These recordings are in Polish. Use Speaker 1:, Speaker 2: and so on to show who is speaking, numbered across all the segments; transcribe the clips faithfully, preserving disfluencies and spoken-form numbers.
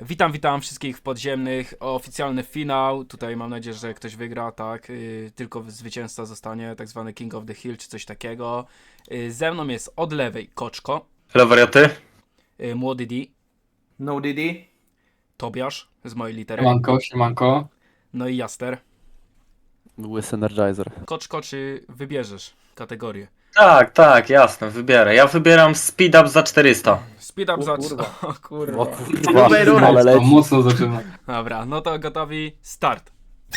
Speaker 1: Witam, witam wszystkich w podziemnych. Oficjalny finał. Tutaj mam nadzieję, że ktoś wygra, tak. Yy, tylko zwycięzca zostanie, tak zwany King of the Hill czy coś takiego. Yy, ze mną jest od lewej Koczko,
Speaker 2: Hello, wariaty.
Speaker 1: yy, Młody D,
Speaker 3: No Didi.
Speaker 1: Tobiasz z mojej litery,
Speaker 4: Siemanko, siemanko.
Speaker 1: no i Jaster.
Speaker 5: Łysy Energizer.
Speaker 1: Koczko, czy wybierzesz kategorię?
Speaker 2: Tak, tak, jasne, wybierę. Ja wybieram speed up za czterysta.
Speaker 1: Speed up za...
Speaker 3: kurwa.
Speaker 1: O kurwa.
Speaker 5: O kurwa,
Speaker 3: Dobrej rury.
Speaker 5: ale
Speaker 4: To
Speaker 5: leci.
Speaker 4: mocno zaczyna.
Speaker 1: Dobra, no to gotowi, start.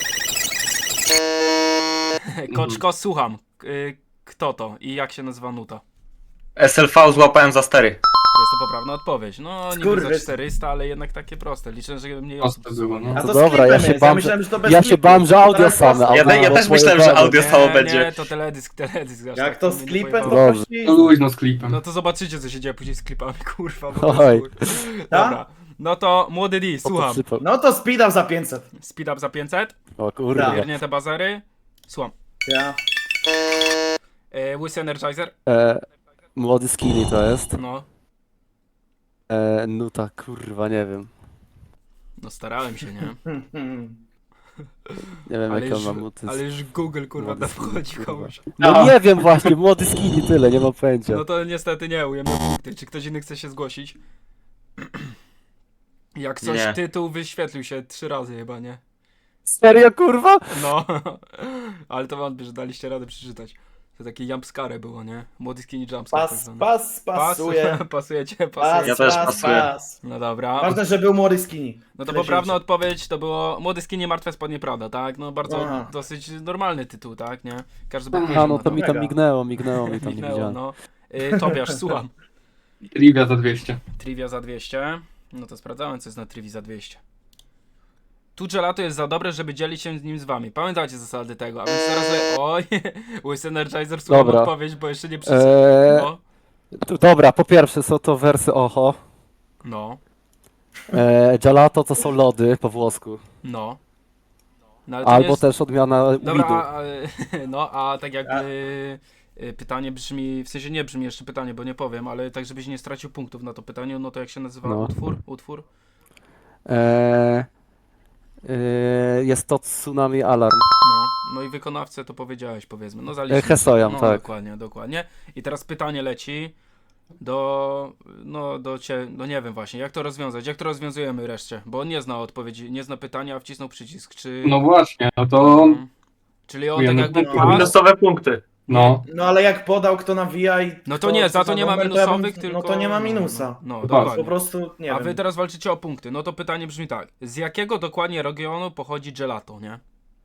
Speaker 1: Koczko, słucham. Yy, kto to i jak się nazywa nuta?
Speaker 2: S L V złapałem za stery.
Speaker 1: Jest to poprawna odpowiedź. No, niby za
Speaker 3: Skurwys.
Speaker 1: czterysta, ale jednak takie proste. Liczę, że mniej osób
Speaker 4: Proste było, no.
Speaker 3: A
Speaker 5: To
Speaker 3: to
Speaker 5: dobra,
Speaker 3: z
Speaker 5: ja
Speaker 3: klipem
Speaker 5: się
Speaker 3: jest.
Speaker 5: bam,
Speaker 3: ja myślałem, że to bez
Speaker 5: ja się
Speaker 3: klipu.
Speaker 5: bam, że audio
Speaker 3: Teraz
Speaker 5: same.
Speaker 3: proste.
Speaker 2: Ja,
Speaker 5: audio
Speaker 2: ja
Speaker 5: albo
Speaker 2: też myślałem, że
Speaker 5: pojebane.
Speaker 2: audio
Speaker 1: Nie,
Speaker 2: samo
Speaker 1: nie,
Speaker 2: będzie.
Speaker 1: to teledysk, teledysk. aż
Speaker 3: Jak
Speaker 1: tak
Speaker 3: to
Speaker 1: mnie
Speaker 3: z
Speaker 1: nie
Speaker 3: klipem, to
Speaker 1: pojebało.
Speaker 5: Dobrze.
Speaker 3: właśnie...
Speaker 4: To luźno z klipem.
Speaker 1: No to zobaczycie, co się dzieje później z klipami, kurwa. Po
Speaker 5: Oj.
Speaker 1: prostu. Dobra, no to młody D,
Speaker 5: O, to
Speaker 1: słucham.
Speaker 5: przypał.
Speaker 3: No to speed up za pięćset.
Speaker 1: Speed up za pięćset,
Speaker 5: O kurwa.
Speaker 3: Tak.
Speaker 1: wiernięte bazery, słucham.
Speaker 3: Ja.
Speaker 1: E, Łysy Energizer,
Speaker 5: E, młody skinny to jest.
Speaker 1: no.
Speaker 5: E, nuta, kurwa, nie wiem.
Speaker 1: No starałem się, nie?
Speaker 3: Hmm, hmm.
Speaker 5: Nie wiem
Speaker 1: Ale
Speaker 5: jak on
Speaker 1: już,
Speaker 5: ma nuty.
Speaker 1: ale już Google, kurwa,
Speaker 5: Młody
Speaker 1: tam
Speaker 5: skinny,
Speaker 1: wchodzi
Speaker 5: kurwa.
Speaker 1: komuś.
Speaker 5: No nie wiem właśnie, młody skinny tyle, nie mam pojęcia.
Speaker 1: No to niestety nie, ujemne punkty. Czy ktoś inny chce się zgłosić? Jak coś,
Speaker 2: Nie.
Speaker 1: tytuł wyświetlił się trzy razy chyba, nie?
Speaker 5: Serio kurwa?
Speaker 1: No, ale to wątpię, że daliście radę przeczytać. To takie jumpscare było, nie? Młody skinny jumpscare. tak
Speaker 3: Pas,
Speaker 1: zwany.
Speaker 3: pas, pasuje.
Speaker 1: Pasujecie,
Speaker 3: Pas,
Speaker 1: pasuje.
Speaker 2: Ja też
Speaker 3: pas,
Speaker 2: pasuję.
Speaker 3: pas.
Speaker 1: No dobra.
Speaker 3: Ważne, że był młody skinny.
Speaker 1: No to
Speaker 3: Tyle
Speaker 1: poprawna
Speaker 3: się
Speaker 1: odpowiedź to było Młody skinny martwe spodnie, prawda, tak? No bardzo
Speaker 3: Aha.
Speaker 1: dosyć normalny tytuł, tak, nie? Każdy by
Speaker 4: Aha,
Speaker 1: powiedział
Speaker 5: A no
Speaker 1: na
Speaker 5: to mi tam
Speaker 3: Mega.
Speaker 5: mignęło, mignęło mi tam, nie
Speaker 1: Minęło,
Speaker 5: widziałem.
Speaker 1: no. Y, Tobiasz, słucham.
Speaker 4: Trivia za dwieście.
Speaker 1: Trivia za dwieście. No to sprawdzałem, co jest na Trivii za dwieście. Tu gelato jest za dobre, żeby dzielić się z nim z wami. Pamiętajcie zasady tego, a więc teraz... Le... Oj, Łysy Energizer, słucham
Speaker 5: Dobra.
Speaker 1: odpowiedź, bo jeszcze nie przeczytałem.
Speaker 5: Eee,
Speaker 1: No,
Speaker 5: tu- dobra, po pierwsze są to wersy Oho.
Speaker 1: no,
Speaker 5: E, gelato to są lody po włosku.
Speaker 1: no. No, ale to nie
Speaker 5: Albo
Speaker 1: jest...
Speaker 5: też odmiana
Speaker 1: Dobra,
Speaker 5: weedu.
Speaker 1: a, no, a tak jakby...
Speaker 3: A-
Speaker 1: y, Pytanie brzmi, w sensie nie brzmi jeszcze pytanie, bo nie powiem, ale tak żebyś nie stracił punktów na to pytanie, no to jak się nazywa
Speaker 5: No.
Speaker 1: utwór? Utwór?
Speaker 5: E, e, jest to Tsunami Alarm.
Speaker 1: No, no i wykonawcę to powiedziałeś, powiedzmy. No zaliczmy.
Speaker 5: E, Hesoyam,
Speaker 1: no,
Speaker 5: tak.
Speaker 1: Dokładnie, dokładnie. I teraz pytanie leci do, no do cię, no nie wiem właśnie, jak to rozwiązać, jak to rozwiązujemy reszcie, bo on nie zna odpowiedzi, nie zna pytania, a wcisnął przycisk, czy...
Speaker 4: No właśnie, no to...
Speaker 1: Mhm. Czyli on tak
Speaker 4: Ujemne
Speaker 1: jakby
Speaker 4: punkty.
Speaker 1: pas...
Speaker 2: Minusowe punkty.
Speaker 4: No.
Speaker 3: No ale jak podał, kto nawija i...
Speaker 1: No to
Speaker 3: kto-
Speaker 1: nie, za
Speaker 3: co
Speaker 1: to nie ma
Speaker 3: numer, to ja bym-
Speaker 1: minusowych, tylko...
Speaker 3: No to nie ma minusa.
Speaker 1: No, no
Speaker 4: To
Speaker 1: dokładnie.
Speaker 3: Po prostu, nie
Speaker 1: A
Speaker 3: wiem.
Speaker 1: wy teraz walczycie o punkty, no to pytanie brzmi tak, z jakiego dokładnie regionu pochodzi gelato, nie?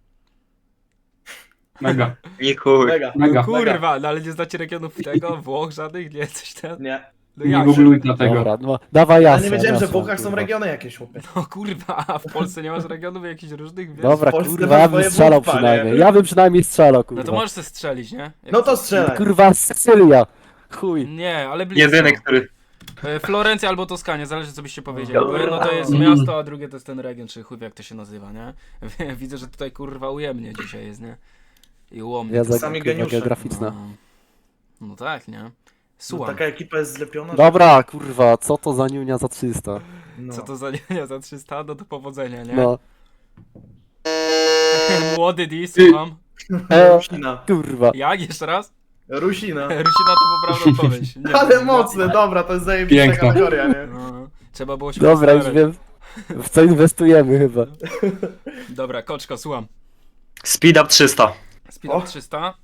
Speaker 4: Mega,
Speaker 2: Nie chuj.
Speaker 3: Mega.
Speaker 4: mega.
Speaker 1: Kurwa, no ale nie znacie regionów tego, Włoch żadnych, nie, coś tam...
Speaker 3: Nie.
Speaker 1: No
Speaker 4: Nie
Speaker 1: jak?
Speaker 4: googluj dlatego.
Speaker 5: Dobra, no, dawaj
Speaker 3: Ja
Speaker 5: jasno.
Speaker 3: nie wiedziałem, że w
Speaker 5: jasno,
Speaker 3: Włochach są
Speaker 5: kurwa.
Speaker 3: regiony jakieś, chłopie.
Speaker 1: No kurwa, a w Polsce nie masz regionów jakichś różnych, wiesz?
Speaker 5: Dobra,
Speaker 3: w Polsce
Speaker 5: kurwa,
Speaker 3: masz
Speaker 5: ja bym
Speaker 3: swoje
Speaker 5: strzelał
Speaker 3: wódpa, nie?
Speaker 5: przynajmniej. Ja bym przynajmniej strzelał, kurwa.
Speaker 1: No to możesz se strzelić, nie? Jak
Speaker 3: No to
Speaker 1: chcesz.
Speaker 3: strzelaj.
Speaker 5: Kurwa, Sycylia. Chuj.
Speaker 1: Nie, ale blisko.
Speaker 2: Jedyny, który...
Speaker 1: E, Florencja albo Toskania, zależy co byście powiedzieli. Bo jedno to jest
Speaker 4: Mm.
Speaker 1: miasto, a drugie to jest ten region, czy chuj wie, jak to się nazywa, nie? Widzę, że tutaj kurwa ujemnie dzisiaj jest, nie? I ułomnie.
Speaker 5: Ja
Speaker 1: to
Speaker 5: za
Speaker 3: Sami
Speaker 5: kurwa
Speaker 3: geniusze.
Speaker 5: geograficzna.
Speaker 1: No. no tak, nie?
Speaker 3: No,
Speaker 1: Słucham.
Speaker 3: taka ekipa jest zlepiona. że-
Speaker 5: Dobra, kurwa, co to za niunia za trzysta?
Speaker 3: No.
Speaker 1: Co to za nie za trzysta? No to powodzenia, nie?
Speaker 5: No.
Speaker 1: Młody D, słucham.
Speaker 5: E,
Speaker 3: Rusina.
Speaker 5: kurwa.
Speaker 1: Jak? Jeszcze raz?
Speaker 3: Rusina.
Speaker 1: Rusina to poprawna odpowiedź. Nie,
Speaker 3: Ale
Speaker 1: no,
Speaker 3: mocne, dobra, to jest zajebista
Speaker 4: Piękna.
Speaker 3: kategoria, nie?
Speaker 1: No, trzeba było się
Speaker 5: Dobra, już
Speaker 1: postarać.
Speaker 5: wiem. W co inwestujemy chyba.
Speaker 1: Dobra, Koczko, słucham.
Speaker 2: Speed up trzysta.
Speaker 1: Speed up
Speaker 3: O.
Speaker 1: trzysta.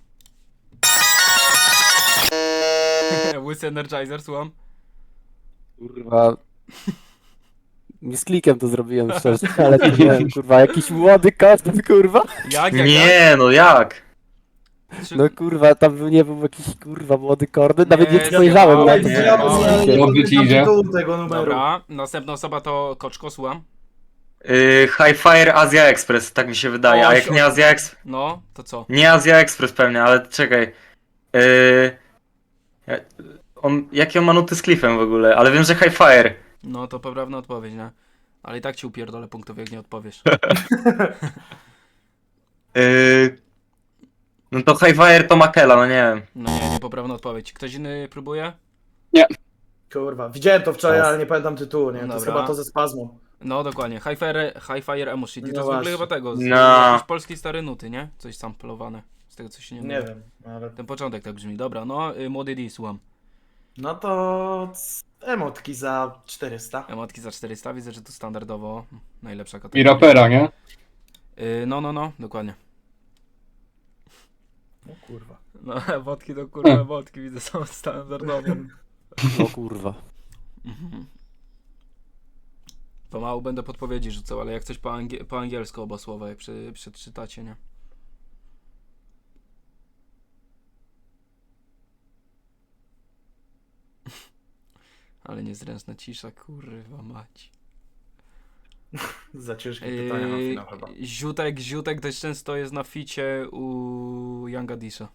Speaker 1: Łysy Energizer, słucham.
Speaker 5: Kurwa. Mi z klikiem to zrobiłem szczerze, ale nie wiem, kurwa, jakiś młody kot, kurwa.
Speaker 1: Jak, jak, jak?
Speaker 2: Nie, no jak?
Speaker 1: Czy-
Speaker 5: No kurwa, tam był- nie był jakiś kurwa młody kordy, nawet nie
Speaker 1: Nie,
Speaker 5: spojrzałem
Speaker 1: nie,
Speaker 5: na
Speaker 1: nie,
Speaker 5: to.
Speaker 1: nie,
Speaker 3: Ja
Speaker 1: nie,
Speaker 3: bym
Speaker 1: nie,
Speaker 3: nie
Speaker 4: Dobrze
Speaker 3: podpytam
Speaker 4: ci idzie.
Speaker 3: tytułu tego numeru.
Speaker 1: Dobra, następna osoba to Koczko, słucham.
Speaker 2: Yy, High Fire Asia Express, tak mi się wydaje. A
Speaker 1: O,
Speaker 2: jak
Speaker 1: si-
Speaker 2: nie Asia Express...
Speaker 1: No, to co?
Speaker 2: Nie Asia Express pewnie, ale czekaj. Yy... ja- On, jakie on ma nuty z Cliffem w ogóle? Ale wiem, że High Fire.
Speaker 1: No to poprawna odpowiedź, nie? Ale i tak ci upierdolę punktów, jak nie odpowiesz.
Speaker 2: Yy... No to High Fire to Makela, no nie wiem.
Speaker 1: No nie, niepoprawna odpowiedź. Ktoś inny próbuje?
Speaker 3: Kurwa, widziałem to wczoraj,
Speaker 5: Czas.
Speaker 3: ale nie pamiętam tytułu, nie? To jest
Speaker 1: Dobra.
Speaker 3: chyba to ze spazmu.
Speaker 1: No dokładnie, High Fire, High Fire Emo Shit. I
Speaker 3: No
Speaker 1: to jest w ogóle
Speaker 3: właśnie.
Speaker 1: chyba tego, z
Speaker 2: No.
Speaker 1: jakiejś polskiej stare nuty, nie? Coś samplowane. Z tego co się nie
Speaker 3: Nie
Speaker 1: mylę.
Speaker 3: wiem, ale...
Speaker 1: Ten początek tak brzmi. Dobra, no, y, młody D, słucham.
Speaker 3: No to... c- emotki za czterysta.
Speaker 1: Emotki za czterysta, widzę, że to standardowo najlepsza
Speaker 4: I
Speaker 1: kategoria.
Speaker 4: rapera, nie?
Speaker 1: Y, no, no, no, dokładnie.
Speaker 3: No kurwa.
Speaker 1: No, emotki to kurwa, emotki widzę, są standardowo.
Speaker 5: O kurwa.
Speaker 1: Mhm. Pomału będę podpowiedzi rzucał, ale jak coś po, angie po angielsku oba słowa, jak przy, przeczytacie, nie? Ale niezręczna cisza, kurwa mać.
Speaker 3: Za ciężkie pytania na
Speaker 1: Yy,
Speaker 3: finał chyba.
Speaker 1: Ziutek, Ziutek dość często jest na ficie u Younga Disha.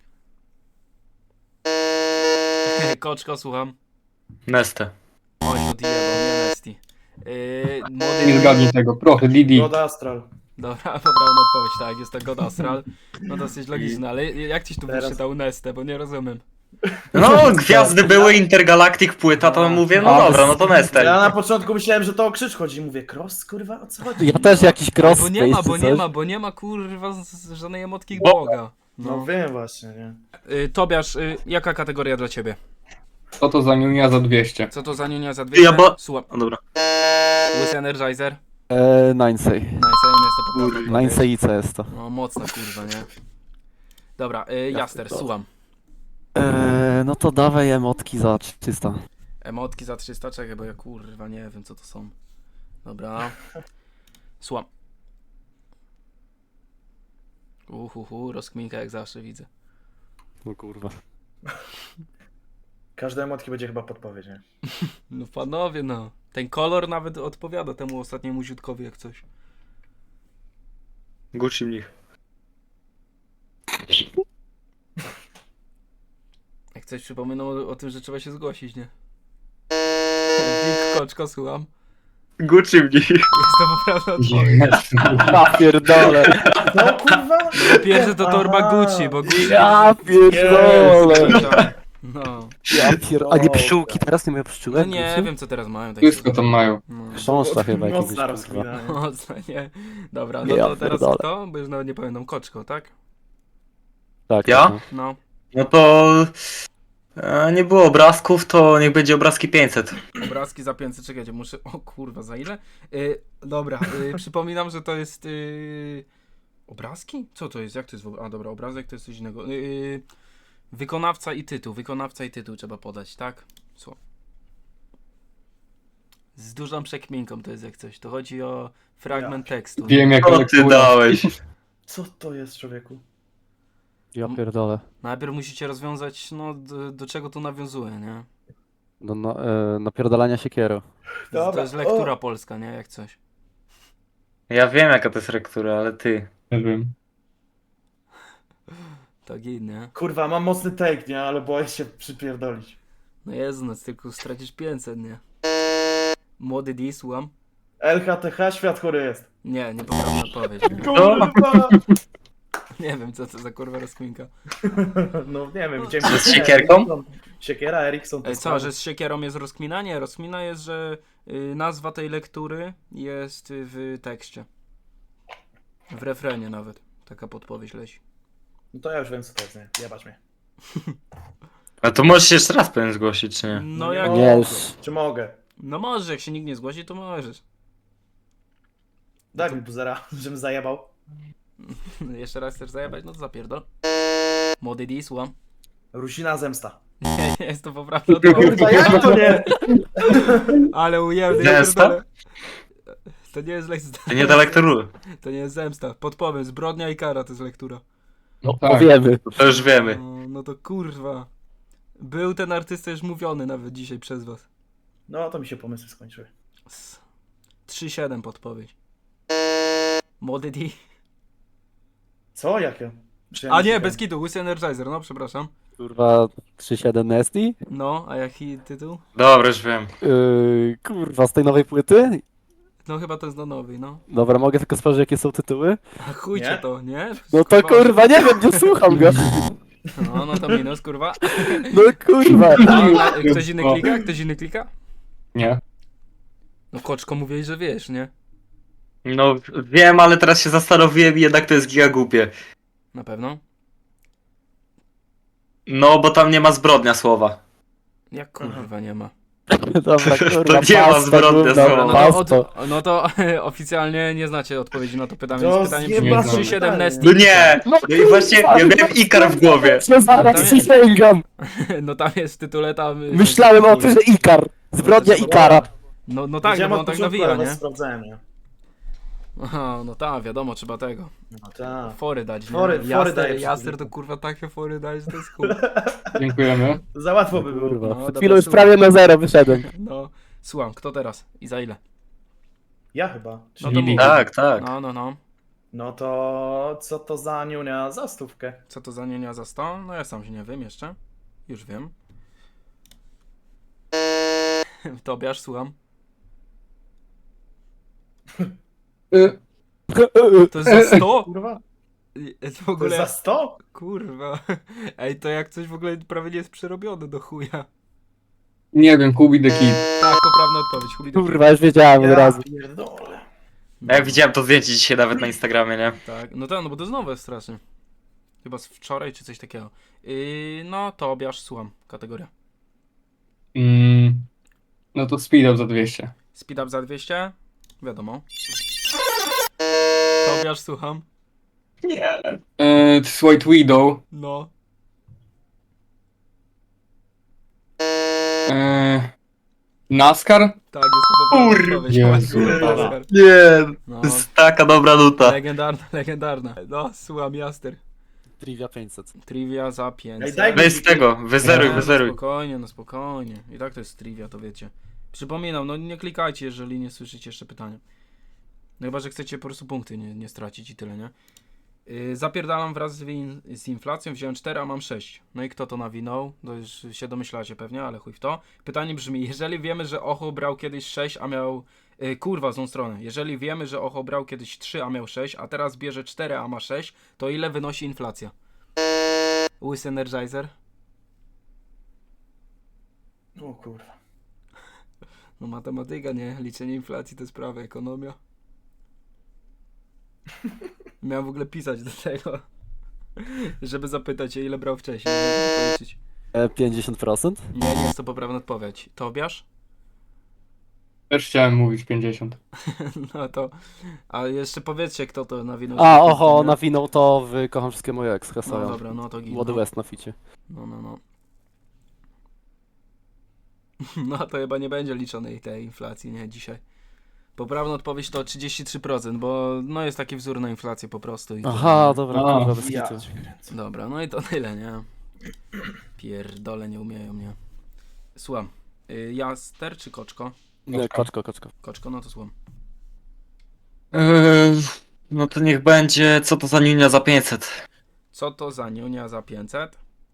Speaker 1: Koczko, słucham.
Speaker 2: Neste.
Speaker 1: Oj, odjebał, nie Nesty. Yy,
Speaker 4: Nie
Speaker 1: młody...
Speaker 4: zgadnij tego, proszę, Didi.
Speaker 3: God Astral.
Speaker 1: Dobra, poprawna odpowiedź, tak, jest to God Astral. No dosyć logiczne, ale jak ciś tu
Speaker 3: Teraz-
Speaker 1: wyczytał Nestę, bo nie rozumiem.
Speaker 2: No, gwiazdy były, Intergalactic płyta, to mówię, no
Speaker 5: A,
Speaker 2: dobra, no to Neste.
Speaker 3: Ja na początku myślałem, że to o krzyż chodzi. Mówię, cross, kurwa, o co chodzi?
Speaker 5: Ja też jakiś cross
Speaker 1: Bo nie ma,
Speaker 5: space
Speaker 1: bo
Speaker 5: czy
Speaker 1: nie
Speaker 5: coś.
Speaker 1: ma, bo nie ma kurwa z- z żadnej emotki
Speaker 2: Bo-
Speaker 1: Boga.
Speaker 3: No
Speaker 1: No.
Speaker 3: wiem właśnie, nie?
Speaker 1: Y, Tobiasz, y, jaka kategoria dla ciebie?
Speaker 4: Co to za niunia za dwieście?
Speaker 1: Co to za niunia za dwieście?
Speaker 2: Ja bo-
Speaker 1: Słucham.
Speaker 2: No dobra.
Speaker 1: Łysy Energizer?
Speaker 5: Eee, Ninesay.
Speaker 1: Nice, jest to poprawna odpowiedź.
Speaker 5: Ninesay i C jest to.
Speaker 1: No mocno kurwa, nie? Dobra, y, Jaster,
Speaker 5: pierdolę.
Speaker 1: słucham.
Speaker 5: Eee, no to dawaj emotki za trzysta.
Speaker 1: Emotki za trzysta, czekaj, bo ja kurwa nie wiem co to są. Dobra. Słucham. Uhuhu, rozkminka jak zawsze widzę.
Speaker 5: No kurwa.
Speaker 3: Każde emotki będzie chyba podpowiedź, nie?
Speaker 1: No panowie, no. Ten kolor nawet odpowiada temu ostatniemu ziutkowi jak coś.
Speaker 2: Gucci mnich.
Speaker 1: Jak coś przypominał o, o tym, że trzeba się zgłosić, nie? Big Koczko, słucham.
Speaker 2: Gucci mnich.
Speaker 1: Jest to poprawna odpowiedź.
Speaker 4: Jest.
Speaker 5: Ja pierdolę.
Speaker 3: No kurwa!
Speaker 1: Po pierwsze to torba
Speaker 3: Aha.
Speaker 1: Gucci, bo Gucci...
Speaker 5: Ja pierdolę.
Speaker 1: No.
Speaker 5: Ja pier... A nie pszczółki, teraz nie mają pszczółek?
Speaker 1: No nie
Speaker 5: Gucci?
Speaker 1: wiem co teraz mają. tak
Speaker 4: Wszystko tam mają.
Speaker 1: No.
Speaker 5: Chrząszcza chyba jakiegoś,
Speaker 3: Mocna
Speaker 5: kurwa.
Speaker 3: rozkmina, nie?
Speaker 1: Mocno, nie? Dobra, no
Speaker 5: Ja
Speaker 1: to teraz
Speaker 5: pierdolę.
Speaker 1: kto? Bo już nawet nie pamiętam. Koczko, tak?
Speaker 5: Tak,
Speaker 2: Ja?
Speaker 5: no.
Speaker 1: No.
Speaker 2: No to... E, nie było obrazków, to niech będzie obrazki pięćset.
Speaker 1: Obrazki za pięćset, czekajcie, muszę... O kurwa, za ile? Y, dobra, y, przypominam, że to jest... Y, obrazki? Co to jest? Jak to jest w ogóle? A dobra, obrazek to jest coś innego. Y, wykonawca i tytuł. Wykonawca i tytuł trzeba podać, tak? Co? Z dużą przekminką to jest jak coś. To chodzi o fragment tekstu.
Speaker 4: Wiem jak
Speaker 2: Co ty
Speaker 4: lektura.
Speaker 2: dałeś?
Speaker 3: Co to jest, człowieku?
Speaker 5: Ja pierdolę.
Speaker 1: Najpierw musicie rozwiązać, no, do, do czego tu nawiązuje, nie?
Speaker 5: Do no, e, napierdalania siekierą.
Speaker 1: To
Speaker 3: Dobra,
Speaker 1: jest lektura
Speaker 3: o.
Speaker 1: polska, nie? Jak coś.
Speaker 2: Ja wiem jaka to jest lektura, ale ty.
Speaker 4: Nie wiem.
Speaker 1: Tak i nie?
Speaker 3: Kurwa, mam mocny take, nie? Ale boję się przypierdolić.
Speaker 1: No Jezu, no tylko stracisz pięćset, nie? Młody D, słucham?
Speaker 3: L H T H, świat chory jest.
Speaker 1: Nie, nie poprawna odpowiedź. Nie?
Speaker 3: Kurwa!
Speaker 1: nie wiem, co to za kurwa rozkminka.
Speaker 3: No nie wiem, widziałem...
Speaker 2: Że z siekierką?
Speaker 3: Siekiera, Eriksson. to
Speaker 1: Ej, co,
Speaker 3: sprawy.
Speaker 1: że z siekierą jest rozkmina? Nie, rozkmina jest, że y, nazwa tej lektury jest y, w tekście. W refrenie nawet. Taka podpowiedź leci.
Speaker 3: No to ja już wiem, co to jest, nie? Jebać mnie.
Speaker 2: A to możesz się jeszcze raz pewnie zgłosić, czy nie?
Speaker 1: No
Speaker 3: nie
Speaker 1: jak...
Speaker 3: mogę.
Speaker 5: Nie, już.
Speaker 3: Czy mogę?
Speaker 1: No możesz, jak się nikt nie zgłosi, to możesz.
Speaker 3: Daj mi buzera, żebym zajebał.
Speaker 1: Jeszcze raz chcesz zajebać? No to zapierdol. Młody D, słucham.
Speaker 3: Rusina zemsta.
Speaker 1: Nie, nie jest to poprawna odpowiedź.
Speaker 3: Kurwa, jak to nie?
Speaker 1: Ale ujemny, ja
Speaker 2: Zemsta?
Speaker 1: pierdolę. To nie jest lektura.
Speaker 2: To nie do lektury.
Speaker 1: To nie jest zemsta. Podpowiem, zbrodnia i kara to jest lektura.
Speaker 5: No,
Speaker 4: tak.
Speaker 5: powiemy.
Speaker 2: To już wiemy.
Speaker 1: No, no to kurwa. Był ten artysta już mówiony nawet dzisiaj przez was.
Speaker 3: No to mi się pomysły skończyły.
Speaker 1: S- trzy siedem podpowiedź. Młody D.
Speaker 3: Co? Jakie? Czy ja
Speaker 1: A nie,
Speaker 3: szukam?
Speaker 1: bez kitu, Łysy Energizer, no przepraszam.
Speaker 5: Kurwa, trzy siedem Nasty?
Speaker 1: No, a jaki tytuł?
Speaker 2: Dobra, już wiem.
Speaker 5: Yy, kurwa, z tej nowej płyty?
Speaker 1: No chyba to jest do nowej, no.
Speaker 5: Dobra, mogę tylko sprawdzić, jakie są tytuły?
Speaker 1: A chujcie
Speaker 3: Nie?
Speaker 1: to, nie?
Speaker 5: No to kurwa, nie wiem, nie słucham go.
Speaker 1: No, no to minus, kurwa.
Speaker 5: No kurwa.
Speaker 1: No, a ktoś inny klika? Ktoś inny klika?
Speaker 4: Nie.
Speaker 1: No koczko mówiłeś, że wiesz, nie?
Speaker 2: No wiem, ale teraz się zastanowiłem i jednak to jest giga głupie.
Speaker 1: Na pewno.
Speaker 2: No, bo tam nie ma zbrodnia słowa.
Speaker 1: Jak kurwa nie ma.
Speaker 5: Dobra, kurwa,
Speaker 2: To nie ma
Speaker 5: pasta,
Speaker 2: zbrodnia
Speaker 5: kurwa,
Speaker 2: słowa.
Speaker 1: No to,
Speaker 5: pasto.
Speaker 1: od, no to oficjalnie nie znacie odpowiedzi na to pytanie,
Speaker 3: To
Speaker 1: więc pytanie brzmi
Speaker 3: zjebane
Speaker 1: trzy siedem
Speaker 3: pytanie.
Speaker 1: Nesty.
Speaker 2: No nie! No i właśnie, ja miałem Ikar w głowie.
Speaker 5: Się zaraz przysięgam.
Speaker 1: No tam jest w tytule tam...
Speaker 5: Myślałem o tym, że Ikar. Zbrodnia Ikara.
Speaker 1: No, no tak, no
Speaker 3: Wiedziałem
Speaker 1: bo
Speaker 3: od
Speaker 1: on tak
Speaker 3: początku,
Speaker 1: nawija,
Speaker 3: ale
Speaker 1: nie?
Speaker 3: sprawdzałem, nie?
Speaker 1: Aha, no tak, wiadomo, trzeba tego.
Speaker 3: No tak.
Speaker 1: Fory dać, nie?
Speaker 3: Fory- fory
Speaker 1: Jaster,
Speaker 3: daje
Speaker 1: Jaster to
Speaker 3: przeciwnikom.
Speaker 1: kurwa takie fory dać, że to jest chuj.
Speaker 4: Dziękujemy.
Speaker 3: Za łatwo by było.
Speaker 5: Kurwa,
Speaker 1: No,
Speaker 5: przed
Speaker 1: dobra,
Speaker 5: chwilą już
Speaker 1: słuchaj.
Speaker 5: prawie na zero wyszedłem.
Speaker 1: No, słucham, kto teraz? I za ile?
Speaker 3: Ja chyba.
Speaker 1: No
Speaker 3: Czyli...
Speaker 1: to
Speaker 4: Lili.
Speaker 1: mów.
Speaker 2: Tak, tak.
Speaker 1: No, no, no.
Speaker 3: No to co to za niunia za stówkę?
Speaker 1: Co to za nienia za sto? No ja sam się nie wiem jeszcze. Już wiem. Tobiasz, słucham.
Speaker 4: Y,
Speaker 1: To jest za sto?
Speaker 3: Kurwa?
Speaker 1: W
Speaker 3: To
Speaker 1: ogóle...
Speaker 3: za sto?
Speaker 1: Kurwa. Ej, to jak coś w ogóle prawie nie jest przerobione do chuja.
Speaker 4: nie wiem, Kubi the Kid.
Speaker 1: Tak, poprawna odpowiedź. Hubi do
Speaker 5: Kurwa, już wiedziałem od
Speaker 3: Ja
Speaker 5: razu.
Speaker 3: pierdolę.
Speaker 2: No ja widziałem to zdjęcie dzisiaj nawet na Instagramie, nie?
Speaker 1: Tak, no tak, no bo to jest nowe strasznie. Chyba z wczoraj czy coś takiego. Yy, no, Tobiasz, słucham. Kategoria.
Speaker 4: Mm, no to speed up za dwieście.
Speaker 1: Speed up za dwieście? Wiadomo. Tobiasz, słucham.
Speaker 2: Nie.
Speaker 4: E, White Widow.
Speaker 1: No.
Speaker 4: E, NASCAR?
Speaker 1: Tak, jest to poprawna
Speaker 2: Kur-
Speaker 1: odpowiedź.
Speaker 4: Jezu.
Speaker 1: Kurwa.
Speaker 2: Nie,
Speaker 1: No,
Speaker 2: to jest taka dobra nuta.
Speaker 1: legendarna, legendarna. No, słucham, Jaster.
Speaker 5: Trivia pięćset.
Speaker 1: Trivia za
Speaker 3: Ej,
Speaker 1: pięćset.
Speaker 3: daj-
Speaker 2: Weź z tego, wyzeruj,
Speaker 1: Nie, no
Speaker 2: wyzeruj.
Speaker 1: spokojnie, no spokojnie. I tak to jest trivia, to wiecie. Przypominam, no nie klikajcie, jeżeli nie słyszycie jeszcze pytania. No chyba, że chcecie po prostu punkty nie, nie stracić i tyle, nie? Yy, zapierdalam wraz z, in z inflacją, wziąłem cztery, a mam sześć. No i kto to nawinął? To już się domyślacie pewnie, ale chuj w to. Pytanie brzmi, jeżeli wiemy, że Ocho brał kiedyś sześć, a miał... Yy, kurwa, złą stronę. Jeżeli wiemy, że Ocho brał kiedyś trzy, a miał sześć, a teraz bierze cztery, a ma sześć, to ile wynosi inflacja? Łys Energizer?
Speaker 3: O kurwa.
Speaker 1: No matematyka, nie? Liczenie inflacji to jest prawo, ekonomia. Miałem w ogóle pisać do tego, żeby zapytać się, ile brał wcześniej, żeby to policzyć.
Speaker 5: E, pięćdziesiąt procent?
Speaker 1: Nie, nie jest to poprawna odpowiedź. Tobiasz?
Speaker 4: Też chciałem mówić pięćdziesiąt.
Speaker 1: No to... A jeszcze powiedzcie, kto to nawinął.
Speaker 5: A, oho, nawinął to w Kocham Wszystkie Moje Ex,
Speaker 1: No
Speaker 5: Hesoją.
Speaker 1: dobra, no to git.
Speaker 5: Młody
Speaker 1: No.
Speaker 5: West na ficie.
Speaker 1: no, no, no. No to chyba nie będzie liczonej tej inflacji, nie, dzisiaj. Poprawna odpowiedź to trzydzieści trzy procent, bo no jest taki wzór na inflację po prostu. I
Speaker 5: Aha, dobra,
Speaker 4: A,
Speaker 5: kurwa, bez
Speaker 3: Ja
Speaker 5: kitu.
Speaker 3: cię kręcę.
Speaker 1: Dobra, no i to tyle, nie? Pierdole, nie umieją mnie. Słucham. Y, Jaster czy koczko?
Speaker 5: Nie, koczko, koczko.
Speaker 1: Koczko, no to słucham.
Speaker 2: Eee, no to niech będzie, co to za niunia za pięćset.
Speaker 1: Co to za niunia za pięćset?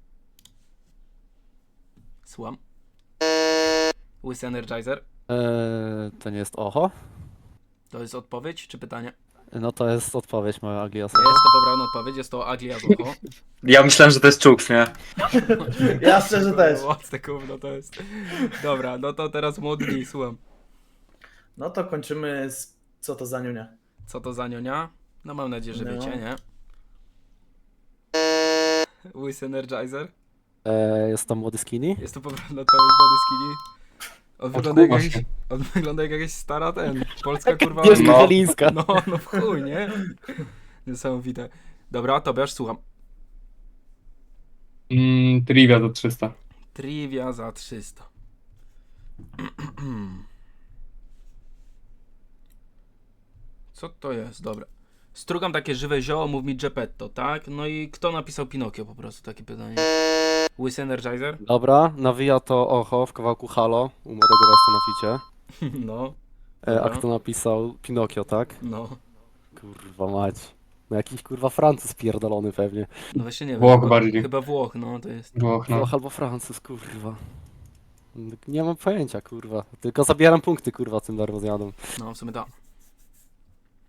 Speaker 1: Słucham. Łys Energizer.
Speaker 5: Eee, to nie jest oho?
Speaker 1: To jest odpowiedź czy pytanie?
Speaker 5: No to jest odpowiedź moja Aglia
Speaker 1: Jest
Speaker 5: osoba.
Speaker 1: to poprawna odpowiedź, jest to Agli Azucho.
Speaker 2: Ja myślałem, że to jest Czuks, nie?
Speaker 3: Ja szczerze też.
Speaker 1: Łatwe gówno to jest. Dobra, no to teraz młodni, słucham.
Speaker 3: No to kończymy z co to za niunia.
Speaker 1: Co to za niunia? No mam nadzieję, że
Speaker 3: No.
Speaker 1: wiecie, nie? Łys Energizer.
Speaker 5: Eee, jest to młody skinny?
Speaker 1: Jest to poprawna odpowiedź Body Skinny. On wygląda jak,
Speaker 4: Odkuwa
Speaker 1: jakaś,
Speaker 4: się.
Speaker 1: on wygląda jak jakaś stara ten. Polska kurwa.
Speaker 5: Agnieszka
Speaker 2: no.
Speaker 5: Zielińska.
Speaker 1: No, no w chuj, nie? Niesamowite. Dobra, Tobiasz, słucham.
Speaker 4: Mm, trivia za trzysta.
Speaker 1: Trivia za trzysta. Co to jest? Dobra. Strugam takie żywe zioło, mów mi Geppetto, tak? No i kto napisał Pinokio po prostu? Takie pytanie. Łys Energizer?
Speaker 5: Dobra, nawija to oho w kawałku Halo u młodego Westa na ficie.
Speaker 1: No,
Speaker 5: E, a
Speaker 1: Dobra.
Speaker 5: kto napisał Pinokio, tak?
Speaker 1: no.
Speaker 5: Kurwa mać. No jakiś kurwa Francuz pierdolony pewnie.
Speaker 1: No właśnie nie wiem.
Speaker 4: Włoch
Speaker 1: chyba,
Speaker 4: bardziej.
Speaker 1: Chyba Włoch, no to jest.
Speaker 4: Włoch, no.
Speaker 5: Włoch albo Francuz, kurwa. Nie mam pojęcia, kurwa. Tylko zabieram punkty, kurwa, tym darmozjadom.
Speaker 1: No, w sumie tak.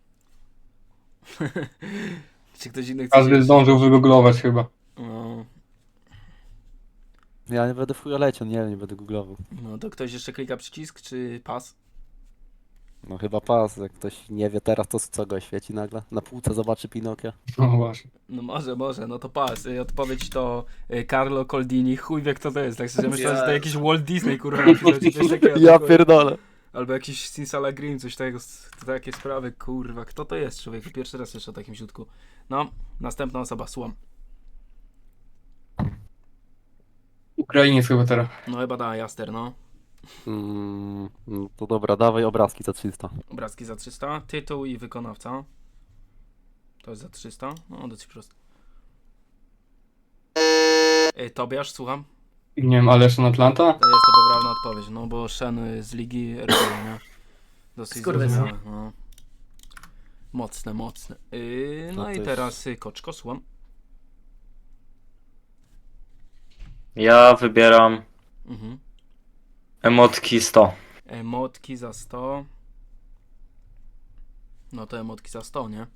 Speaker 1: Czy ktoś inny chce
Speaker 4: Każdy
Speaker 1: się-
Speaker 4: zdążył wygooglować chyba.
Speaker 1: No,
Speaker 5: Ja nie będę w chuja leciał, nie wiem, nie będę googlował.
Speaker 1: No to ktoś jeszcze klika przycisk, czy pas?
Speaker 5: No chyba pas, jak ktoś nie wie teraz, to co go świeci nagle? Na półce zobaczy Pinokia.
Speaker 4: No właśnie.
Speaker 1: No może, może, no to pas. Y, Odpowiedź to y, Carlo Coldini, chuj wie kto to jest, tak szczerze myślałem, że to jakiś Walt Disney, kurwa, napisał, czy coś takiego.
Speaker 5: Ja pierdolę.
Speaker 1: Albo jakiś Sinsala Green, coś takiego, to takie sprawy, kurwa, kto to jest, człowieku? Pierwszy raz jeszcze o takim ziutku. No, następna osoba, słucham.
Speaker 4: Ukrainiec chyba teraz.
Speaker 1: No chyba da, Jaster, no.
Speaker 5: Mm, no to dobra, dawaj obrazki za trzysta.
Speaker 1: Obrazki za trzysta, tytuł i wykonawca. To jest za trzysta, no dosyć prosto. Y, Tobiasz, słucham.
Speaker 4: Nie wiem, ale Shen Atlanta?
Speaker 1: To jest to poprawna odpowiedź, no bo Shen y, z ligi R B, nie? Dosyć
Speaker 3: Skurwysyn.
Speaker 1: zrozumiałe, no. Mocne, mocne. Yy, no
Speaker 5: To
Speaker 1: i
Speaker 5: też-
Speaker 1: teraz y, Koczko, słucham.
Speaker 2: Ja wybieram
Speaker 1: Mhm.
Speaker 2: emotki sto.
Speaker 1: Emotki za sto. No to emotki za sto, nie?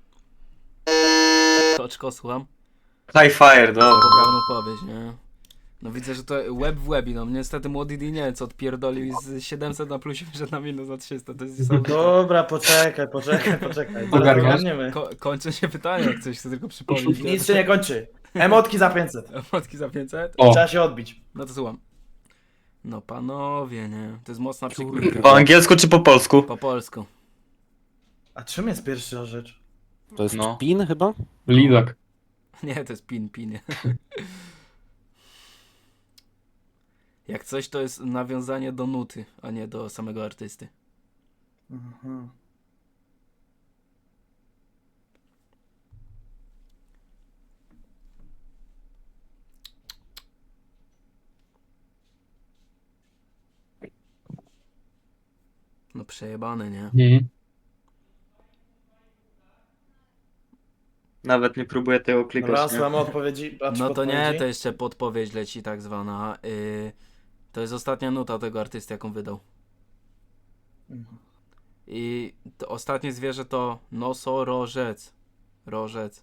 Speaker 1: Koczko, słucham.
Speaker 2: High fire,
Speaker 1: To
Speaker 2: dobra.
Speaker 1: poprawna odpowiedź, nie? No widzę, że to web w webi, no niestety młody D nie wiem co odpierdolił z siedemset na plusie wyszedł na minus za trzysta, to jest niesamowite.
Speaker 3: Dobra, poczekaj, poczekaj, poczekaj.
Speaker 4: Ogarniasz?
Speaker 3: Ogarniemy.
Speaker 1: Ko kończę się pytanie, jak coś chcę tylko przypomnieć. nie?
Speaker 3: Nic się nie kończy. Emotki za pięćset.
Speaker 1: Emotki za pięćset?
Speaker 4: O,
Speaker 3: Trzeba się odbić.
Speaker 1: No to słucham. No panowie, nie? To jest mocna
Speaker 5: Kurde.
Speaker 1: przykładka.
Speaker 2: Po angielsku czy po polsku?
Speaker 1: Po polsku.
Speaker 3: A czym jest pierwsza rzecz?
Speaker 5: To jest
Speaker 2: No.
Speaker 5: pin chyba?
Speaker 4: Lidak.
Speaker 1: Nie, to jest pin, pin. Jak coś, to jest nawiązanie do nuty, a nie do samego artysty.
Speaker 3: Mhm.
Speaker 1: No przejebane, nie?
Speaker 4: Mhm.
Speaker 2: Nawet nie próbuję tego
Speaker 3: Dobra,
Speaker 2: klikać, nie?
Speaker 3: słuchamy odpowiedzi. a czy
Speaker 1: No to nie,
Speaker 3: podpowiedzi?
Speaker 1: to jeszcze podpowiedź leci tak zwana. Yy, to jest ostatnia nuta tego artysty, jaką wydał.
Speaker 3: Mhm.
Speaker 1: I to ostatnie zwierzę to nosorożec. Rożec.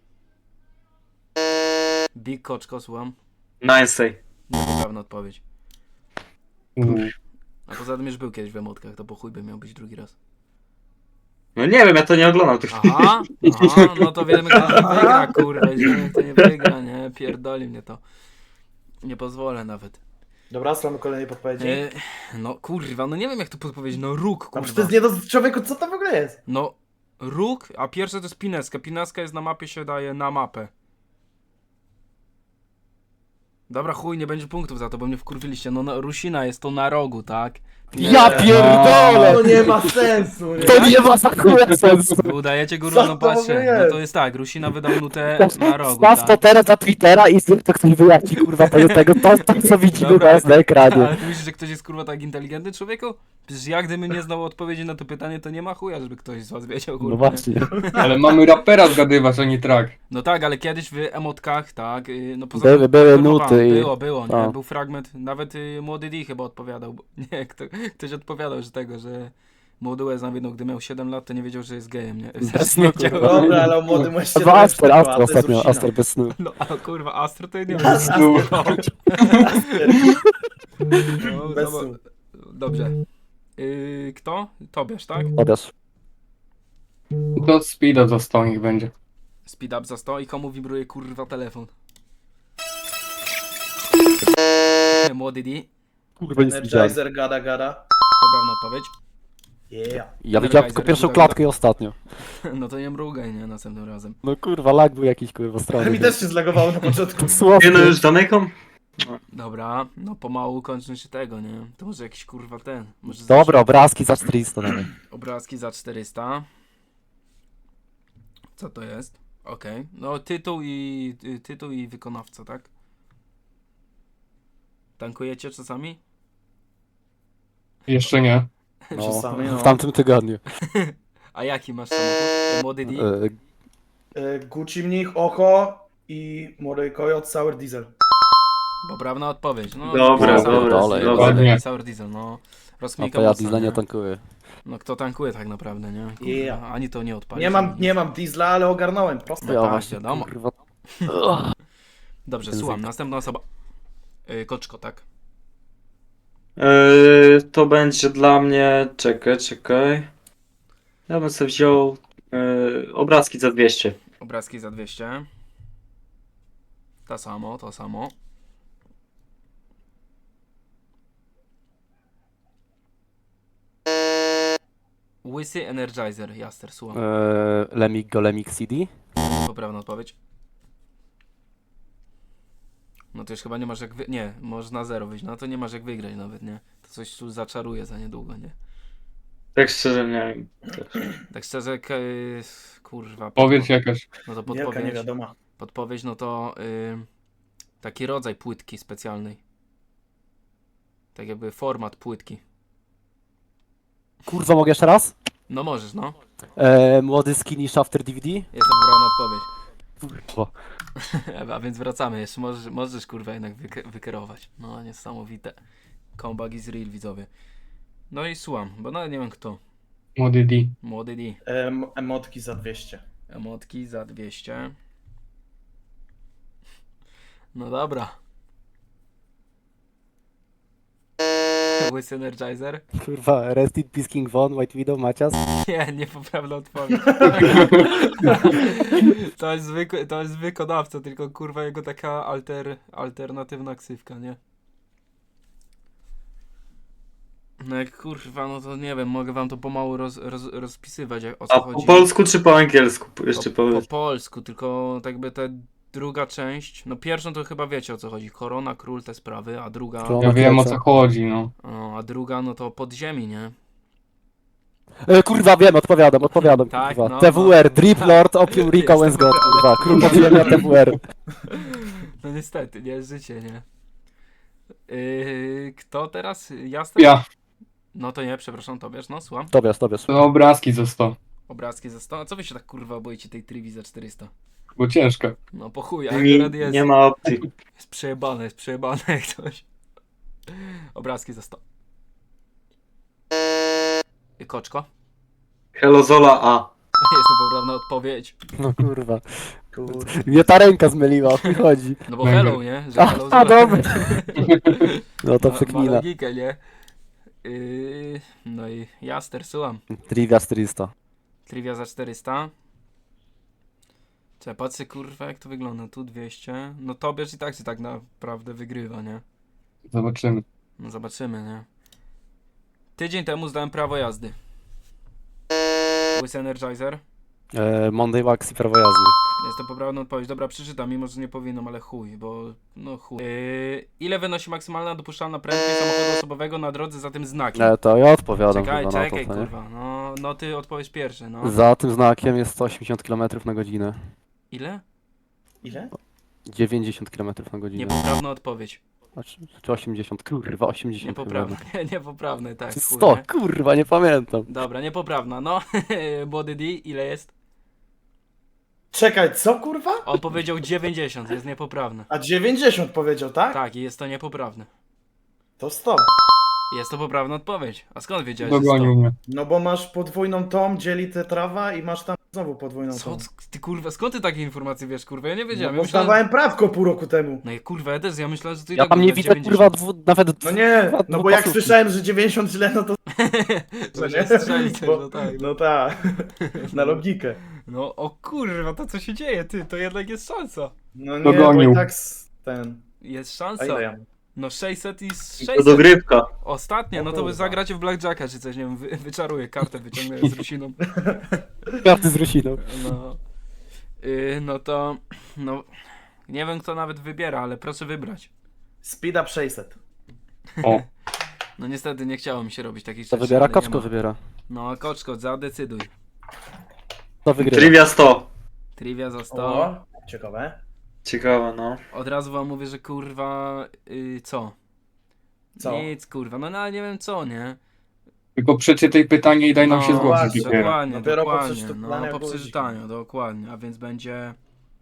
Speaker 1: Big Koczko, słucham.
Speaker 2: Nice.
Speaker 1: Niepoprawna odpowiedź.
Speaker 4: U.
Speaker 1: A poza tym już był kiedyś w emotkach, to po chuj by miał być drugi raz.
Speaker 2: No nie wiem, ja to nie oglądam tych.
Speaker 1: Aha, aha, no to wiemy kto nie wygra, kurwa, wiemy kto nie wygra, nie, pierdoli mnie to. Nie pozwolę nawet.
Speaker 3: Dobra, słuchamy kolejnej podpowiedzi.
Speaker 1: E, no kurwa, no nie wiem jak to podpowiedzieć, no róg,
Speaker 3: A
Speaker 1: kurwa.
Speaker 3: przecież to jest nie do człowieku, co to w ogóle jest?
Speaker 1: No róg, a pierwsze to jest pineska. Pineska jest na mapie, się daje na mapę. Dobra, chuj, nie będzie punktów za to, bo mnie wkurwiliście. No, no Rusina jest to na rogu, tak?
Speaker 5: Ja
Speaker 3: To
Speaker 5: pierdolę!
Speaker 3: nie ma sensu, nie?
Speaker 5: To nie ma za chuja sensu!
Speaker 1: Wy udajecie górą,
Speaker 3: Co
Speaker 1: no
Speaker 3: to w ogóle
Speaker 1: patrzcie.
Speaker 3: jest?
Speaker 1: No to jest tak, Rusina wydał nutę na rogu,
Speaker 5: Staw to
Speaker 1: tak?
Speaker 5: teraz na Twittera i zrób to ktoś wyjaśni kurwa tego, tego to, to co widzimy
Speaker 1: Dobra.
Speaker 5: teraz na ekranie.
Speaker 1: Ale ty myślisz, że ktoś jest kurwa tak inteligentny, człowieku? Przecież ja gdybym nie znał odpowiedzi na to pytanie, to nie ma chuja, żeby ktoś z was wiedział, kurwa.
Speaker 5: No
Speaker 1: nie?
Speaker 5: właśnie.
Speaker 4: Ale mamy rapera zgadywać, a nie track.
Speaker 1: No tak, ale kiedyś w emotkach, tak, y, no poza
Speaker 5: Były-
Speaker 1: tym
Speaker 5: były
Speaker 1: informowałem,
Speaker 5: nuty i-
Speaker 1: Było, było, nie?
Speaker 5: A.
Speaker 1: Był fragment, nawet y, Młody D chyba odpowiadał, bo, nie, kto, ktoś odpowiadał, że tego, że Młody Łez na widno, gdy miał siedem lat, to nie wiedział, że jest gejem, nie? W sensie nie
Speaker 5: no,
Speaker 1: wiedział.
Speaker 5: kurwa.
Speaker 3: Dobra, ale o młodym mężczyźnie
Speaker 5: Albo
Speaker 3: to
Speaker 5: Aster,
Speaker 3: już
Speaker 5: Aster
Speaker 3: była, to jest
Speaker 5: ostatnio,
Speaker 3: Rusina.
Speaker 5: Aster bez snu.
Speaker 1: No, ale kurwa, Astro to ja nie wiem.
Speaker 3: Aster.
Speaker 1: No,
Speaker 3: Bez
Speaker 1: no,
Speaker 3: snu.
Speaker 1: dobrze. Y, kto? Tobiasz, tak?
Speaker 5: Odesz.
Speaker 4: To speeda za sto niech będzie.
Speaker 1: Speed up za sto i komu wibruje kurwa telefon? Młody D.
Speaker 5: Kurwa nic nie widziałem.
Speaker 3: Energizer, gada, gada.
Speaker 1: Poprawna odpowiedź.
Speaker 3: Yeah.
Speaker 5: Ja widziałem tylko pierwszą klatkę i ostatnią.
Speaker 1: No to nie mrugaj, nie? Następnym razem.
Speaker 5: No kurwa, lag był jakiś kurwa
Speaker 3: Ale
Speaker 5: strony.
Speaker 3: mi też się zlagowało na początku.
Speaker 5: Słownie.
Speaker 2: Nie no, już zamykam?
Speaker 1: Dobra, no pomału kończy się tego, nie? To może jakiś kurwa ten. Może
Speaker 5: Dobra, obrazki za czterysta dawaj.
Speaker 1: obrazki za czterysta. Co to jest? Okej. No tytuł i y, tytuł i wykonawca, tak? Tankujecie czasami?
Speaker 4: Jeszcze nie.
Speaker 5: No,
Speaker 3: Czasami, no.
Speaker 5: w tamtym tygodniu.
Speaker 1: A jaki masz samochód? Młody D?
Speaker 5: E,
Speaker 3: Y, Gucci Mnich, Oko i Młody Kojot, Sour Diesel.
Speaker 1: Poprawna odpowiedź. No,
Speaker 2: Dobra,
Speaker 1: Sour
Speaker 5: dobra,
Speaker 1: Diesel,
Speaker 5: dobra.
Speaker 1: Ładnie. Sour Diesel, no.
Speaker 5: A
Speaker 1: Rozkmika
Speaker 5: to ja
Speaker 1: mocno,
Speaker 5: diesla nie
Speaker 1: nie?
Speaker 5: tankuję.
Speaker 1: No kto tankuje tak naprawdę, nie? Kurwa,
Speaker 3: Yeah.
Speaker 1: ani to nie odpali.
Speaker 3: Nie mam, nie mam diesla, ale ogarnąłem. Proste.
Speaker 5: Ja
Speaker 1: tak,
Speaker 5: właśnie,
Speaker 1: wiadomo.
Speaker 5: kurwa.
Speaker 1: Dobrze,
Speaker 5: Język.
Speaker 1: słucham. Następna osoba. Yy, koczko, tak?
Speaker 2: Yy, to będzie dla mnie. Czekaj, czekaj. Ja bym sobie wziął yy, obrazki za dwieście.
Speaker 1: Obrazki za dwieście. To samo, to samo. Łysy Energizer, Jaster, słucham.
Speaker 5: Eee, Lemik go Lemik C D.
Speaker 1: Poprawna odpowiedź. No to już chyba nie masz jak wy... Nie, możesz na zero wyjść. No to nie masz jak wygrać nawet, nie? To coś tu zaczaruje za niedługo, nie?
Speaker 2: Tak szczerze nie wiem.
Speaker 1: Tak szczerze, k- yy, kurwa.
Speaker 4: Powiedz
Speaker 1: podpo-
Speaker 4: jakaś.
Speaker 1: No to
Speaker 3: Wielka
Speaker 1: podpowiedź.
Speaker 3: niewiadoma.
Speaker 1: Podpowiedź, no to yy, taki rodzaj płytki specjalnej. Tak jakby format płytki.
Speaker 5: Kurwa, mogę jeszcze raz?
Speaker 1: No możesz, no.
Speaker 5: Eee, młody skinny shafter D V D?
Speaker 1: Jest to poprawna odpowiedź.
Speaker 5: Kurwa.
Speaker 1: A więc wracamy, jeszcze możesz, możesz kurwa jednak wyk- wykierować. No niesamowite. Comeback is real, widzowie. No i słucham, bo nawet nie wiem kto.
Speaker 4: Młody D.
Speaker 1: Młody D.
Speaker 3: Em, emotki za dwieście.
Speaker 1: Emotki za dwieście. No dobra. Łysy Energizer?
Speaker 5: Kurwa, Rest in Peace King Von, White Widow, Macias.
Speaker 1: Nie, niepoprawna odpowiedź. To jest zwykły, to jest wykonawca, tylko kurwa jego taka alter, alternatywna ksywka, nie? No jak kurwa, no to nie wiem, mogę wam to pomału roz, roz, rozpisywać, jak, o co
Speaker 2: A
Speaker 1: chodzi.
Speaker 2: po polsku czy po angielsku? Jeszcze
Speaker 1: po, po
Speaker 2: powiedz.
Speaker 1: polsku, tylko tak by ta druga część, no pierwszą to chyba wiecie o co chodzi, Korona, Król, te sprawy, a druga,
Speaker 5: Król.
Speaker 4: Ja wiem o
Speaker 5: co?
Speaker 4: co chodzi, no.
Speaker 1: o, a druga no to Podziemi, nie?
Speaker 5: E, kurwa, wiem, odpowiadam, odpowiadam,
Speaker 1: Tak,
Speaker 5: kurwa.
Speaker 1: no,
Speaker 5: T W R,
Speaker 1: no.
Speaker 5: Drip Lord, Opium Rika,
Speaker 1: Jestem
Speaker 5: Wensgod,
Speaker 1: pewien.
Speaker 5: kurwa. Król podziemia, T W R.
Speaker 1: No niestety, nie, życie, nie? Yy, kto teraz? Jasne?
Speaker 4: Ja.
Speaker 1: No to nie, przepraszam, Tobiasz, no słucham.
Speaker 5: Tobiasz, Tobiasz.
Speaker 4: To obrazki za sto.
Speaker 1: Obrazki za sto. A co wy się tak kurwa boicie tej triwi za czterysta?
Speaker 4: Bo ciężko.
Speaker 1: No po chuj,
Speaker 2: Nie,
Speaker 1: akurat jest,
Speaker 2: nie ma opcji.
Speaker 1: jest przejebane, jest przejebane jak coś. Obrazki za sto. I koczko?
Speaker 2: Hello Zola A.
Speaker 1: Jest to poprawna odpowiedź.
Speaker 5: No kurwa.
Speaker 3: Kurde.
Speaker 5: Mnie ta ręka zmyliła, o co chodzi.
Speaker 1: No bo
Speaker 4: Mega.
Speaker 1: hello, nie? Że
Speaker 5: A,
Speaker 1: hello
Speaker 5: a
Speaker 1: zobacz.
Speaker 5: dobra. No to
Speaker 1: Ma- Ma
Speaker 5: przekmina.
Speaker 1: logikę, nie? Yy, no i Jaster, słucham.
Speaker 5: Trivia czterysta.
Speaker 1: Trivia za czterysta. Czekaj, patrzę kurwa jak to wygląda. Tu dwieście. No Tobiasz i tak się tak naprawdę wygrywa, nie?
Speaker 4: Zobaczymy.
Speaker 1: No zobaczymy, nie? Tydzień temu zdałem prawo jazdy. Łysy Energizer.
Speaker 5: E, Monday Wax i prawo jazdy.
Speaker 1: Jest to poprawna odpowiedź. Dobra, przeczytam, mimo że nie powinnam, ale chuj, bo no chuj. Yy, ile wynosi maksymalna dopuszczalna prędkość samochodu osobowego na drodze za tym znakiem?
Speaker 5: E, to ja odpowiadam
Speaker 1: Czekaj,
Speaker 5: chyba na
Speaker 1: czekaj,
Speaker 5: to, co nie?
Speaker 1: kurwa. No, no ty odpowiesz pierwszy, no.
Speaker 5: Za tym znakiem jest sto osiemdziesiąt kilometrów na godzinę.
Speaker 1: Ile?
Speaker 3: Ile?
Speaker 5: dziewięćdziesiąt kilometrów na godzinę.
Speaker 1: Niepoprawna odpowiedź.
Speaker 5: A czy, czy osiemdziesiąt? Kurwa, osiemdziesiąt
Speaker 1: Niepoprawna.
Speaker 5: chyba.
Speaker 1: Nie, niepoprawne, tak. chuj,
Speaker 5: sto,
Speaker 1: nie?
Speaker 5: kurwa, nie pamiętam.
Speaker 1: Dobra, niepoprawna. No, Body D, ile jest?
Speaker 3: Czekaj, co kurwa?
Speaker 1: On powiedział dziewięćdziesiąt, jest niepoprawne.
Speaker 3: A dziewięćdziesiąt powiedział, tak?
Speaker 1: Tak, i jest to niepoprawne.
Speaker 3: To sto.
Speaker 1: Jest to poprawna odpowiedź. A skąd wiedziałeś, że
Speaker 4: Dogonił mnie.
Speaker 3: No bo masz podwójną tom, dzieli te trawa i masz tam znowu podwójną
Speaker 1: sto?
Speaker 3: tom.
Speaker 1: Co? Ty kurwa, skąd ty takie informacje wiesz, kurwa? Ja nie
Speaker 3: No
Speaker 1: wiedziałem.
Speaker 3: bo
Speaker 1: Ja myślałem...
Speaker 3: zdawałem prawko pół roku temu.
Speaker 1: No i kurwa, ja też, ja myślałem, że ty i
Speaker 5: Ja
Speaker 1: tak
Speaker 5: tam nie
Speaker 1: będę
Speaker 5: widzę,
Speaker 1: dziewięćdziesiąt.
Speaker 5: kurwa, dwu, nawet...
Speaker 3: No nie,
Speaker 5: dwa-
Speaker 3: no bo jak
Speaker 5: dwupasówki.
Speaker 3: słyszałem, że dziewięćdziesiąt źle, no to...
Speaker 1: To
Speaker 3: nie?
Speaker 1: się strzeli też,
Speaker 3: Bo-
Speaker 1: no tak.
Speaker 3: No tak, na logikę.
Speaker 1: No o kurwa, to co się dzieje, ty, to jednak jest szansa.
Speaker 3: No nie,
Speaker 4: Dogonił.
Speaker 3: bo i tak s- ten...
Speaker 1: Jest
Speaker 3: A
Speaker 1: szansa.
Speaker 3: ile ja mam?
Speaker 1: No sześćset i
Speaker 2: To
Speaker 1: sześćset.
Speaker 2: dogrywka.
Speaker 1: Ostatnie,
Speaker 3: O
Speaker 1: no to wy
Speaker 3: kurwa.
Speaker 1: zagracie w Blackjacka czy coś, nie wiem, wy, wyczaruję kartę, wyciągnę z Rusiną.
Speaker 5: Karty z Rusiną.
Speaker 1: No. Yy, no to, no, nie wiem kto nawet wybiera, ale proszę wybrać.
Speaker 3: Speed up sześćset.
Speaker 4: O.
Speaker 1: No niestety nie chciało mi się robić takich
Speaker 5: To
Speaker 1: rzeczy.
Speaker 5: wybiera,
Speaker 1: ale nie
Speaker 5: Koczko
Speaker 1: ma.
Speaker 5: wybiera.
Speaker 1: No, Koczko, zadecyduj.
Speaker 5: To wygrywa.
Speaker 2: Trivia sto.
Speaker 1: Trivia za sto.
Speaker 3: O, ciekawe.
Speaker 2: Ciekawe, no.
Speaker 1: Od razu wam mówię, że kurwa, yy, co?
Speaker 3: Co?
Speaker 1: Nic, kurwa, no, no nie wiem co, nie?
Speaker 4: Tylko przeczytaj pytanie i daj nam się
Speaker 1: No,
Speaker 4: zgłosić
Speaker 3: właśnie,
Speaker 4: dopiero.
Speaker 1: Dokładnie,
Speaker 3: Dopiero po
Speaker 1: dokładnie.
Speaker 3: przeczytaniu
Speaker 1: No, po
Speaker 3: było
Speaker 1: przeczytaniu, dokładnie. A więc będzie...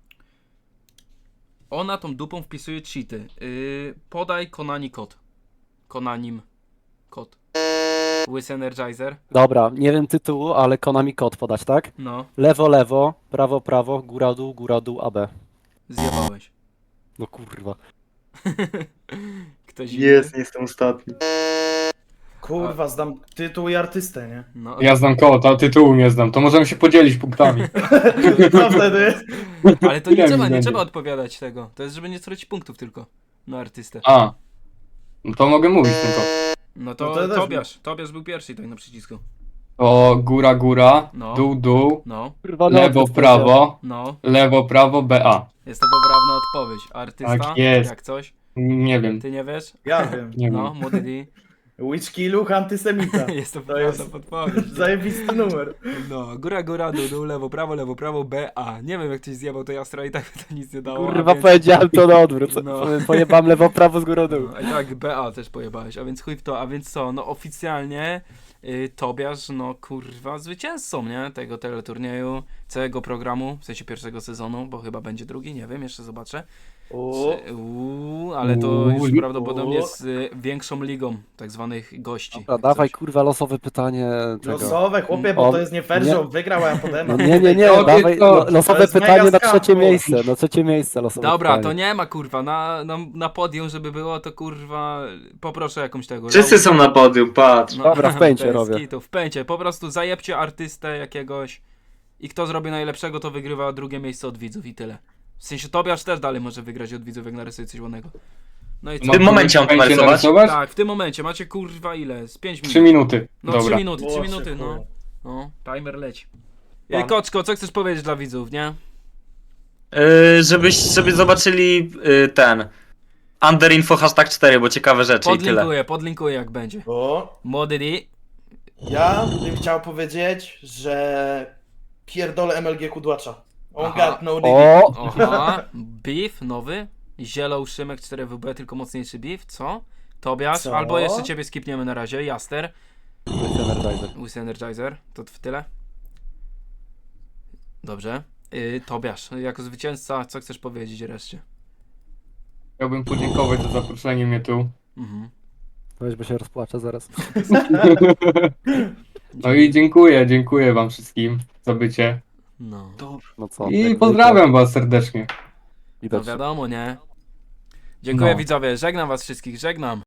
Speaker 1: Ona tą dupą wpisuje cheaty. Yy, podaj Konani kod. Konanim kod. Łysy Energizer.
Speaker 5: Dobra, nie wiem tytułu, ale Konami kod podać, tak?
Speaker 1: No,
Speaker 5: Lewo, lewo, prawo, prawo, góra, dół, góra, dół, A B.
Speaker 1: zjebałeś.
Speaker 5: No kurwa.
Speaker 1: Ktoś inny?
Speaker 2: Jest, nie jestem ostatni.
Speaker 3: Kurwa, znam tytuł i artystę, nie?
Speaker 1: No,
Speaker 4: Ja znam kota, tytułu nie znam, to możemy się podzielić punktami.
Speaker 3: Co wtedy?
Speaker 1: ale to nie
Speaker 4: Ile
Speaker 1: trzeba,
Speaker 4: mi
Speaker 1: nie
Speaker 4: będzie?
Speaker 1: trzeba odpowiadać tego. To jest, żeby nie stracić punktów tylko na artystę.
Speaker 4: A, no to mogę mówić tylko.
Speaker 1: No to,
Speaker 3: No to też
Speaker 1: Tobiasz. Tobiasz był pierwszy tutaj na przycisku.
Speaker 4: To góra, góra,
Speaker 1: No.
Speaker 4: dół, dół,
Speaker 1: No,
Speaker 5: Kurwa,
Speaker 4: lewo,
Speaker 5: notes
Speaker 4: prawo,
Speaker 1: no.
Speaker 4: lewo, prawo, B A.
Speaker 1: Jest to poprawna odpowiedź. Artysta,
Speaker 4: Tak jest.
Speaker 1: jak coś.
Speaker 4: Nie wiem,
Speaker 1: Ty nie wiesz?
Speaker 3: Ja wiem.
Speaker 4: nie
Speaker 1: No,
Speaker 4: wiem.
Speaker 1: młody D.
Speaker 3: Witchki Luch antysemita.
Speaker 1: Jest to
Speaker 3: To
Speaker 1: poprawna
Speaker 3: jest
Speaker 1: podpowiedź.
Speaker 3: zajebisty numer.
Speaker 1: No, góra, góra, dół, dół, lewo, prawo, lewo, prawo, B, A. Nie wiem, jak ktoś zjebał to jastra i tak to nic nie dało. a
Speaker 5: Kurwa,
Speaker 1: więc-
Speaker 5: powiedziałem to na odwrót.
Speaker 1: No.
Speaker 5: Pojebam lewo, prawo z górą dół.
Speaker 1: No, a i tak B A też pojebałeś, a więc chuj w to, a więc co, no oficjalnie y, Tobiasz, no kurwa, zwycięzcą, nie, tego teleturnieju, całego programu, w sensie pierwszego sezonu, bo chyba będzie drugi, nie wiem, jeszcze zobaczę.
Speaker 3: O,
Speaker 1: Czy- Uuu, ale to
Speaker 4: Uuu,
Speaker 1: już
Speaker 4: li-
Speaker 1: prawdopodobnie
Speaker 3: o.
Speaker 1: z y, większą ligą tak zwanych gości.
Speaker 5: Dobra,
Speaker 1: jak
Speaker 5: dawaj
Speaker 1: coś.
Speaker 5: kurwa losowe pytanie tego.
Speaker 3: losowe, chłopie, bo
Speaker 5: O,
Speaker 3: to jest nie fair,
Speaker 5: nie.
Speaker 3: że on wygrał, a ja potem.
Speaker 5: No nie, nie, nie,
Speaker 4: To
Speaker 5: dawaj
Speaker 4: nie to.
Speaker 5: lo,
Speaker 3: To
Speaker 5: losowe
Speaker 3: jest
Speaker 5: pytanie
Speaker 3: mega
Speaker 5: na trzecie
Speaker 3: skam, bo-
Speaker 5: miejsce, na trzecie miejsce losowe
Speaker 1: Dobra,
Speaker 5: pytanie.
Speaker 1: to nie ma kurwa, na, na, na podium, żeby było, to kurwa, poproszę jakąś tego.
Speaker 2: Wszyscy są na podium, patrz.
Speaker 1: No,
Speaker 5: Dobra, w pęcie
Speaker 1: bez
Speaker 5: robię.
Speaker 1: kitu, w pęcie, po prostu zajebcie artystę jakiegoś i kto zrobi najlepszego, to wygrywa drugie miejsce od widzów i tyle. W sensie Tobiasz też dalej może wygrać od widzów, jak narysuje coś ładnego. No i co?
Speaker 2: W tym momencie mam to
Speaker 4: Będzie
Speaker 2: narysować?
Speaker 1: Tak, w tym momencie macie kurwa ile? Z pięć minut.
Speaker 4: Trzy minuty.
Speaker 1: No trzy
Speaker 4: Dobra.
Speaker 1: minuty, trzy
Speaker 3: O,
Speaker 1: minuty, no.
Speaker 3: szykuję.
Speaker 1: No, timer leci.
Speaker 3: Pan.
Speaker 1: Ej, Koczko, co chcesz powiedzieć dla widzów, nie?
Speaker 2: Yy, żebyś, żeby zobaczyli yy, ten. Underinfo hashtag cztery, bo ciekawe rzeczy i tyle.
Speaker 1: Podlinkuję, podlinkuję jak będzie.
Speaker 3: Bo
Speaker 1: Młody D.
Speaker 3: ja bym chciał powiedzieć, że pierdolę M L G Kudłacza. On
Speaker 1: Aha.
Speaker 3: got no dick.
Speaker 5: O!
Speaker 1: Oha, beef nowy. Zielą Szymek cztery W B, tylko mocniejszy beef, co? Tobiasz,
Speaker 3: Co?
Speaker 1: albo jeszcze ciebie skipniemy na razie, Jaster.
Speaker 5: Energizer.
Speaker 1: Łysy Energizer, to w tyle. Dobrze. Yy, Tobiasz, jako zwycięzca, co chcesz powiedzieć reszcie?
Speaker 4: Chciałbym podziękować za zaproszenie mnie tu.
Speaker 1: Mhm.
Speaker 5: Weź, bo się rozpłaczę zaraz.
Speaker 4: No i dziękuję, dziękuję wam wszystkim za bycie.
Speaker 1: No,
Speaker 5: No co?
Speaker 4: I
Speaker 5: jak
Speaker 4: pozdrawiam was serdecznie.
Speaker 5: zwykle.
Speaker 1: to
Speaker 5: Widać.
Speaker 1: wiadomo, nie? Dziękuję
Speaker 4: No.
Speaker 1: widzowie, żegnam was wszystkich, żegnam.